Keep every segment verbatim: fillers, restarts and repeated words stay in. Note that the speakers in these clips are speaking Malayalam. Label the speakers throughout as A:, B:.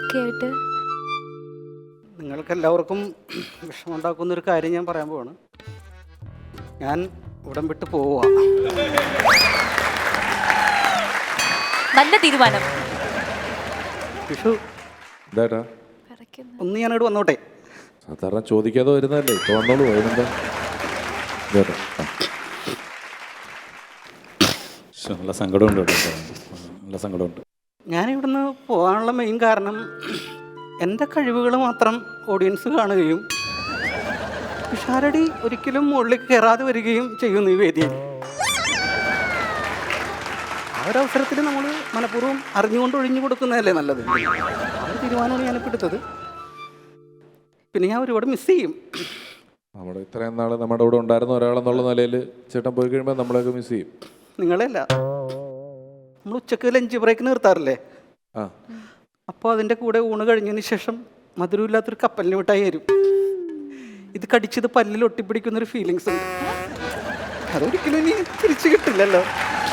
A: ഒക്കെ ആയിട്ട്?
B: നിങ്ങൾക്ക് എല്ലാവർക്കും വിഷമമുണ്ടാക്കുന്ന ഒരു കാര്യം ഞാൻ പറയാൻ പോവാണ്. ഞാൻ ഉടൻ വിട്ട് പോവുക.
A: നല്ല തീരുമാനം.
B: വിഷു
C: എന്താ
B: ഒന്ന് ഞാനിവിടെ വന്നോട്ടെ.
C: സാധാരണ ചോദിക്കാതെ വരുന്നതല്ലേ, ഇപ്പൊ വന്നോളൂ. അതിനെന്താ?
D: നല്ല സങ്കടമുണ്ട് കേട്ടോ, നല്ല സങ്കടമുണ്ട്.
B: ഞാനിവിടുന്ന് പോകാനുള്ള മെയിൻ കാരണം എൻ്റെ കഴിവുകൾ മാത്രം ഓഡിയൻസ് കാണുകയും പിഷാരടി ഒരിക്കലും മുകളിൽ കയറാതെ വരികയും ചെയ്യുന്നു ഈ വേദിയിൽ. ആ ഒരവസരത്തിൽ നമ്മൾ മനഃപൂർവ്വം അറിഞ്ഞുകൊണ്ട് ഒഴിഞ്ഞു കൊടുക്കുന്നതല്ലേ നല്ലത്. ആ ഒരു തീരുമാനമാണ് ഞാനിപ്പോൾ എടുത്തത്. പിന്നെ ഞാൻ ഒരുപാട് മിസ് ചെയ്യും.
C: നമ്മുടെ ഇത്രയും നാൾ നമ്മുടെ കൂടെ ഉണ്ടായിരുന്ന ഒരാളെന്നുള്ള നിലയിൽ ചേട്ടൻ പോയി കഴിയുമ്പോൾ നമ്മളെയൊക്കെ മിസ് ചെയ്യും.
B: നിങ്ങളെയല്ല, നമ്മൾ ഉച്ചക്ക് ലഞ്ച് ബ്രേക്ക് നിർത്താറില്ലേ?
C: ആ,
B: അപ്പോൾ അതിൻ്റെ കൂടെ ഊണ് കഴിഞ്ഞതിന് ശേഷം മധുരമില്ലാത്തൊരു കപ്പലിന് മിഠായി തരും. ഇത് കടിച്ചത് പല്ലിൽ ഒട്ടിപ്പിടിക്കുന്നൊരു ഫീലിങ്സ് ഉണ്ട്. അതൊരിക്കലും ഇനി തിരിച്ചു കിട്ടില്ലല്ലോ.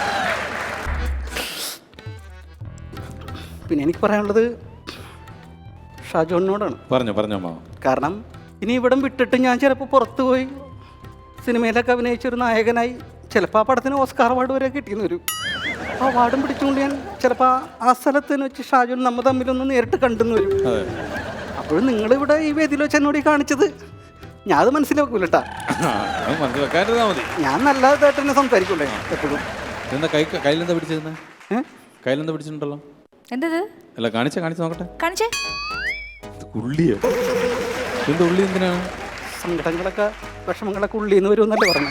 B: പിന്നെ എനിക്ക് പറയാനുള്ളത് ഷാജോണിനോടാണ്.
D: പറഞ്ഞോ പറഞ്ഞോ മാ.
B: കാരണം ഇനി ഇവിടം വിട്ടിട്ട് ഞാൻ ചിലപ്പോൾ പുറത്തു പോയി സിനിമയിലൊക്കെ അഭിനയിച്ചൊരു നായകനായി ചിലപ്പോൾ ആ പടത്തിന് ഓസ്കാർ അവാർഡ് വരെ കിട്ടിയെന്ന് വരും. ആ അവാർഡും പിടിച്ചുകൊണ്ട് ഞാൻ ചിലപ്പോൾ ആ സ്ഥലത്ത് വെച്ച് ഷാജോൺ നമ്മൾ തമ്മിലൊന്ന് നേരിട്ട് കണ്ടെന്ന് വരും. അപ്പോഴും നിങ്ങളിവിടെ ഈ വേദിയിൽ വെച്ച് എന്നോട് ഈ കാണിച്ചത് ഞാൻ അത് മനസ്സിലാക്കൂലട്ടാ.
D: മതി.
B: ഞാൻ നല്ലതായിട്ട് തന്നെ സംസാരിക്കൂലേ എപ്പോഴും.
D: എന്താ കൈ കയ്യിലെന്താ പിടിച്ചിരുന്നേ? കയ്യിലെന്താ പിടിച്ചിട്ടുണ്ടല്ലോ?
A: എന്തത്?
D: അല്ല കാണിച്ച കാണിച്ച് നോക്കട്ടെ.
A: കാണിച്ചേ.
D: ഉള്ളിയോ? എന്താ ഉള്ളി? എന്തിനാണ്?
B: സങ്കടങ്ങളൊക്കെ വിഷമങ്ങളൊക്കെ ഉള്ളിന്ന് വരുമെന്നല്ലേ പറഞ്ഞു.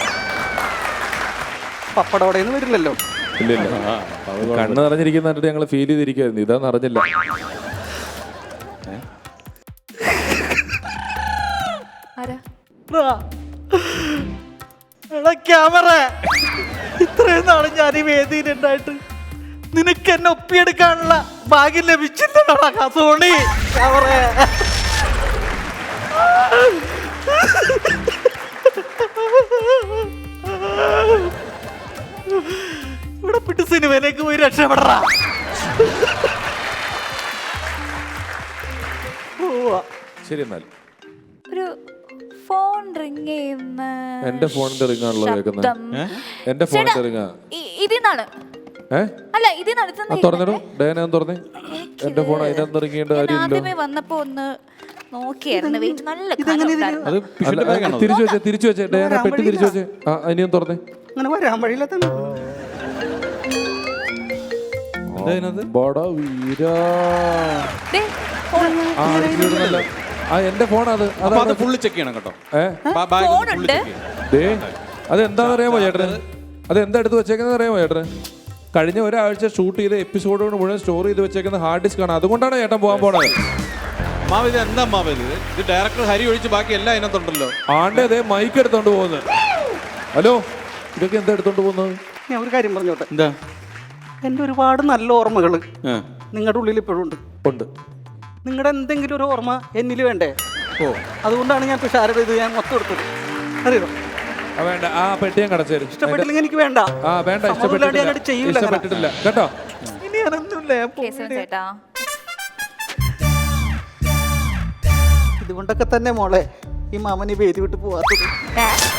B: പപ്പടോടെന്ന് വരില്ലല്ലോ.
C: ഇല്ല കണ്ണ് നിറഞ്ഞിരിക്കുന്നതായിട്ട് ഞങ്ങൾ ഫീൽ ചെയ്തിരിക്കുവായിരുന്നു. ഇതാന്ന് അറിഞ്ഞില്ല.
B: ക്യാമറ ഇത്രയും നാളും ഞാൻ ഈ വേദിയിലുണ്ടായിട്ട് നിനക്ക് എന്നെ ഒപ്പിയെടുക്കാനുള്ള ഭാഗ്യം ലഭിച്ചില്ലടാ സോണി. ക്യാമറ ഇവിടെ പിട്ട് സിനിമയിലേക്ക് പോയി രക്ഷപ്പെടറാ.
C: ശരി, എന്നാൽ
A: ഒരു ഫോൺ റിംഗ് ചെയ്യുന്ന
C: എന്റെ ഫോണിന്റെ റിംഗ് ആണല്ലോ കേൾക്കുന്നത്. എന്റെ ഫോണിന്റെ റിംഗാ
A: ഇതിന്നാണ്. അല്ല ഇതിനാണ്
C: തുറന്നിടും. ഡയന തുറന്നേ. എന്റെ ഫോൺ അതിനകത്ത് റിംഗ്
A: ആദ്യമേ വന്നപ്പോ ഒന്ന് നോക്കിയായിരുന്നു. വെയിറ്റ് നല്ല
C: തിരിച്ചു വെച്ചേ തിരിച്ചു വെച്ചേ ഡയന പെട്ടി തിരിച്ചു വെച്ചേ. ആ ഇനിയും തുറന്നേ.
B: അങ്ങനെ വരാൻ വഴിയില്ല.
C: എന്റെ ഫോൺ അത്
D: അത് ഫുള്ള് ചെക്ക് ചെയ്യണം കേട്ടോ.
C: അത് എന്താണെന്ന് അറിയാമോ ചേട്ടന്? അത് എന്താ എടുത്ത് വെച്ചേക്കുന്നത് അറിയാമോ ചേട്ടന്? കഴിഞ്ഞ ഒരാഴ്ച ഷൂട്ട് ചെയ്ത എപ്പിസോഡുകൾ മുഴുവൻ സ്റ്റോർ ചെയ്ത് വെച്ചേക്കുന്ന ഹാർഡ് ഡിസ്ക് ആണ്. അതുകൊണ്ടാണ് ചേട്ടൻ പോകാൻ പോണത്.
D: മാവ് ഇത് എന്താ മാവ് ഇത്? ഇത് ഡയറക്ടർ ഹരി ഒഴിച്ച് ബാക്കി എല്ലാം അതിനകത്തുണ്ടല്ലോ.
C: ആണ്ടേ അതേ മൈക്ക് എടുത്തോണ്ട് പോകുന്നത്. ഹലോ, ഇതൊക്കെ എന്താ എടുത്തോണ്ട് പോകുന്നത്?
B: ഞാൻ ഒരു കാര്യം പറഞ്ഞോട്ടെ.
D: എന്താ?
B: എൻ്റെ ഒരുപാട് നല്ല ഓർമ്മകൾ നിങ്ങളുടെ ഉള്ളിൽ ഇപ്പോഴും ഉണ്ട്.
C: ഉണ്ട്.
B: നിങ്ങളുടെ എന്തെങ്കിലും ഒരു ഓർമ്മ എന്നിൽ വേണ്ടേ? ഓ, അതുകൊണ്ടാണ് ഞാൻ തുഷാരത ഇത് ഞാൻ മൊത്തം എടുത്തത്. അറിയോ?
C: വേണ്ട, ആ പെട്ടിയും കടച്ചേരും.
B: ഇഷ്ടപ്പെട്ടില്ലെങ്കിൽ എനിക്ക് വേണ്ട.
C: ആ വേണ്ട, ഇഷ്ടപ്പെട്ടിട്ടില്ല കേട്ടോ.
B: ഇനി ഞാനൊന്നുമില്ല.
A: ഇതുകൊണ്ടൊക്കെ തന്നെ മോളെ ഈ മാമന് വേദി വിട്ട് പോവാത്തത്.